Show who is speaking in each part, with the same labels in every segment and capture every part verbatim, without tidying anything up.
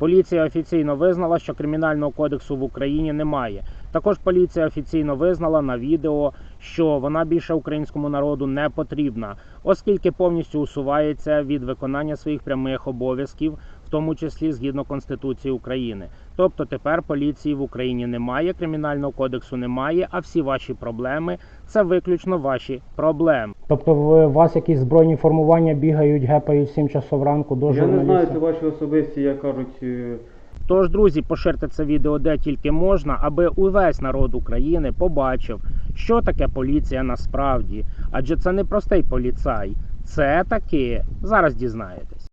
Speaker 1: Поліція офіційно визнала, що Кримінального кодексу в Україні немає. Також поліція офіційно визнала на відео, що вона більше українському народу не потрібна, оскільки повністю усувається від виконання своїх прямих обов'язків, в тому числі згідно Конституції України. Тобто тепер поліції в Україні немає, Кримінального кодексу немає, а всі ваші проблеми – це виключно ваші проблеми. Тобто у вас якісь збройні формування бігають, гепають сім часов ранку до журналістів?
Speaker 2: Я не знаю, це ваші особисті, як кажуть...
Speaker 1: Тож, друзі, поширте це відео де тільки можна, аби увесь народ України побачив, що таке поліція насправді. Адже це не простий поліцай, це таки, зараз дізнаєтесь.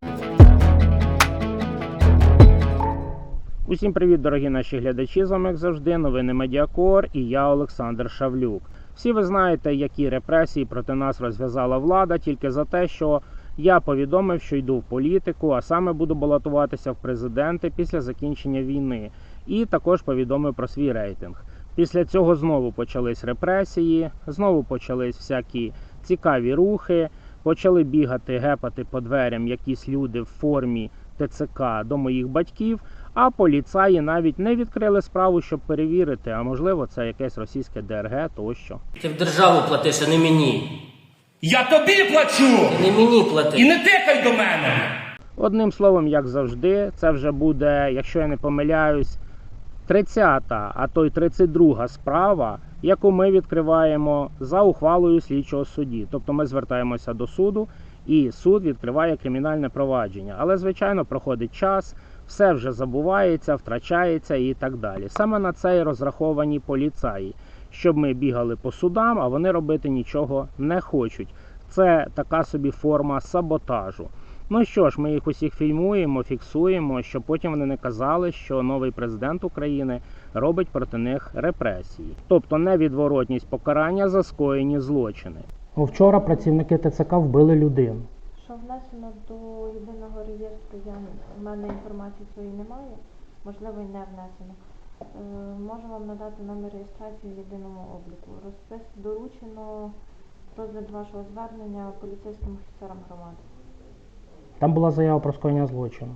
Speaker 1: Усім привіт, дорогі наші глядачі, з вами, як завжди, новини Медіакор і я, Олександр Шавлюк. Всі ви знаєте, які репресії проти нас розв'язала влада тільки за те, що я повідомив, що йду в політику, а саме буду балотуватися в президенти після закінчення війни. І також повідомив про свій рейтинг. Після цього знову почались репресії, знову почались всякі цікаві рухи, почали бігати, гепати по дверям якісь люди в формі Те Це Ка до моїх батьків, а поліцаї навіть не відкрили справу, щоб перевірити, а можливо це якесь російське Де Ер Ге тощо.
Speaker 3: Ти в державу платиш, а не мені.
Speaker 4: Я тобі плачу!
Speaker 3: Ти не мені плати.
Speaker 4: І не тикай до мене!
Speaker 1: Одним словом, як завжди, це вже буде, якщо я не помиляюсь, тридцята, а то й тридцять друга справа, яку ми відкриваємо за ухвалою слідчого судді. Тобто ми звертаємося до суду, і суд відкриває кримінальне провадження. Але, звичайно, проходить час, все вже забувається, втрачається і так далі. Саме на це і розраховані поліцаї, щоб ми бігали по судам, а вони робити нічого не хочуть. Це така собі форма саботажу. Ну що ж, ми їх усіх фільмуємо, фіксуємо, щоб потім вони не казали, що новий президент України робить проти них репресії. Тобто невідворотність покарання за скоєні злочини. Вчора працівники Те Це Ка вбили людину.
Speaker 5: Що внесено до єдиного реєстру, я, в мене інформації своєї немає, можливо і не внесено. Е, можу вам надати номер реєстрації в єдиному обліку. Розпис доручено розгляд вашого звернення поліцейським офіцерам громади.
Speaker 1: Там була заява про скоєння злочину.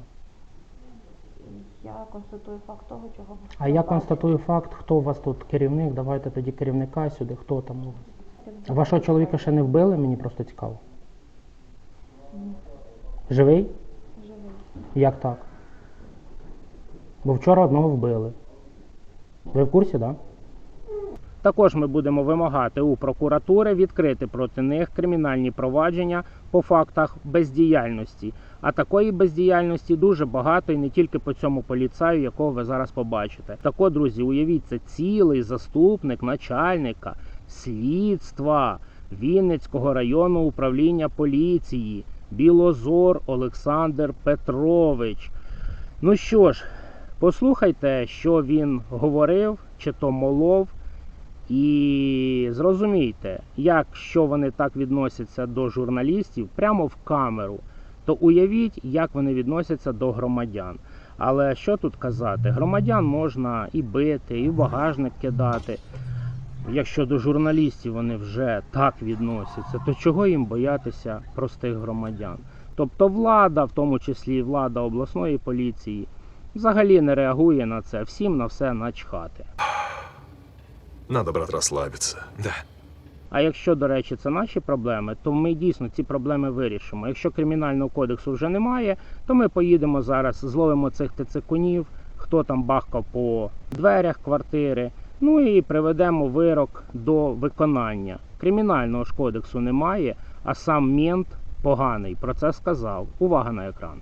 Speaker 5: Я констатую факт того, чого ви
Speaker 1: А я констатую факт, хто у вас тут керівник, давайте тоді керівника сюди, хто там у вас. Вашого чоловіка ще не вбили, мені просто цікаво.
Speaker 5: Ні.
Speaker 1: Живий?
Speaker 5: Живий.
Speaker 1: Як так? Бо вчора одного вбили. Ви в курсі, так? Да? Також ми будемо вимагати у прокуратури відкрити проти них кримінальні провадження по фактах бездіяльності. А такої бездіяльності дуже багато і не тільки по цьому поліцаю, якого ви зараз побачите. Так от, друзі, уявіть, це цілий заступник начальника слідства Вінницького районного управління поліції Білозор Олександр Петрович. Ну що ж, послухайте, що він говорив, чи то молов, і зрозумійте, якщо вони так відносяться до журналістів прямо в камеру, то уявіть, як вони відносяться до громадян. Але що тут казати? Громадян можна і бити, і в багажник кидати. Якщо до журналістів вони вже так відносяться, то чого їм боятися простих громадян? Тобто влада, в тому числі влада обласної поліції, взагалі не реагує на це, всім на все начхати.
Speaker 6: Надо, брат, розслабитися, да.
Speaker 1: А якщо, до речі, це наші проблеми, то ми дійсно ці проблеми вирішимо. Якщо Кримінального кодексу вже немає, то ми поїдемо зараз, зловимо цих тецекунів, хто там бахкав по дверях квартири, ну і приведемо вирок до виконання. Кримінального ж кодексу немає, а сам мент поганий про це сказав. Увага на екран.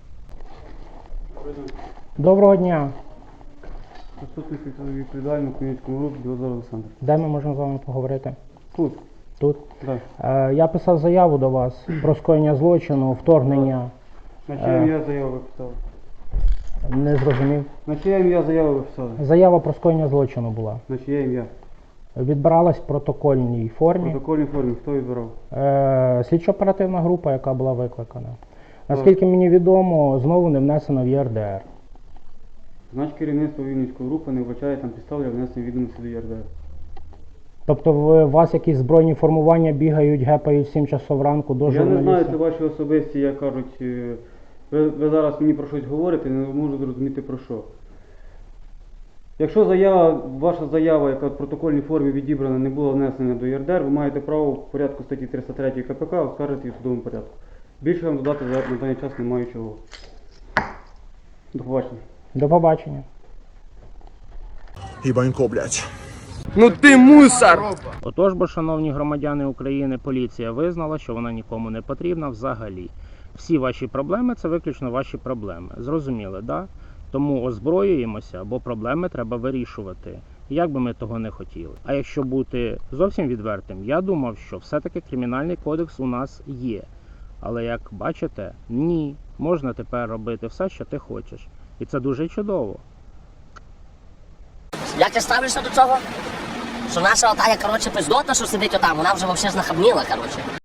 Speaker 1: Доброго дня.
Speaker 2: Заступник відповідального Хмельницькому групі Білозор Олександр.
Speaker 1: Де ми можемо з вами поговорити?
Speaker 2: Тут.
Speaker 1: Тут?
Speaker 2: Так.
Speaker 1: Е, я писав заяву до вас про скоєння злочину, вторгнення.
Speaker 2: На чиє ім'я заяву ви писали?
Speaker 1: Не зрозумів.
Speaker 2: На чиє ім'я заяву ви писали?
Speaker 1: Заява про скоєння злочину була.
Speaker 2: На чиє ім'я?
Speaker 1: Відбиралась в протокольній
Speaker 2: В
Speaker 1: формі.
Speaker 2: протокольній формі. Хто відбирав?
Speaker 1: Е, слідчо-оперативна група, яка була викликана. Наскільки мені відомо, знову не внесено в Є Ер Де Ер.
Speaker 2: Значить, керівництво Вінницької групи не вбачає там підстав для внесення відомості до Є Ер Де Ер.
Speaker 1: Тобто у вас якісь збройні формування бігають, гепають сім часов ранку до
Speaker 2: Я
Speaker 1: журналістів?
Speaker 2: не знаю, це ваші особисті, як кажуть, Ви, ви зараз мені про щось говорите, не можу зрозуміти про що. Якщо заява, ваша заява, яка в протокольній формі відібрана, не була внесена до ЄРДР, ви маєте право в порядку статті триста три КПК оскаржити її в судовому порядку. Більше вам додати за- на даний час не маю чого. До побачення.
Speaker 1: До побачення.
Speaker 6: Ебанько, блядь.
Speaker 1: Отож, бо, шановні громадяни України, поліція визнала, що вона нікому не потрібна взагалі. Всі ваші проблеми – це виключно ваші проблеми. Зрозуміли, да? Тому озброюємося, бо проблеми треба вирішувати, як би ми того не хотіли. А якщо бути зовсім відвертим, я думав, що все-таки кримінальний кодекс у нас є. Але як бачите, ні, можна тепер робити все, що ти хочеш. І це дуже чудово.
Speaker 7: Як ти ставишся до цього? Що наша отая, коротше, пиздота, що сидить отам, вона вже взагалі знахабніла, коротше.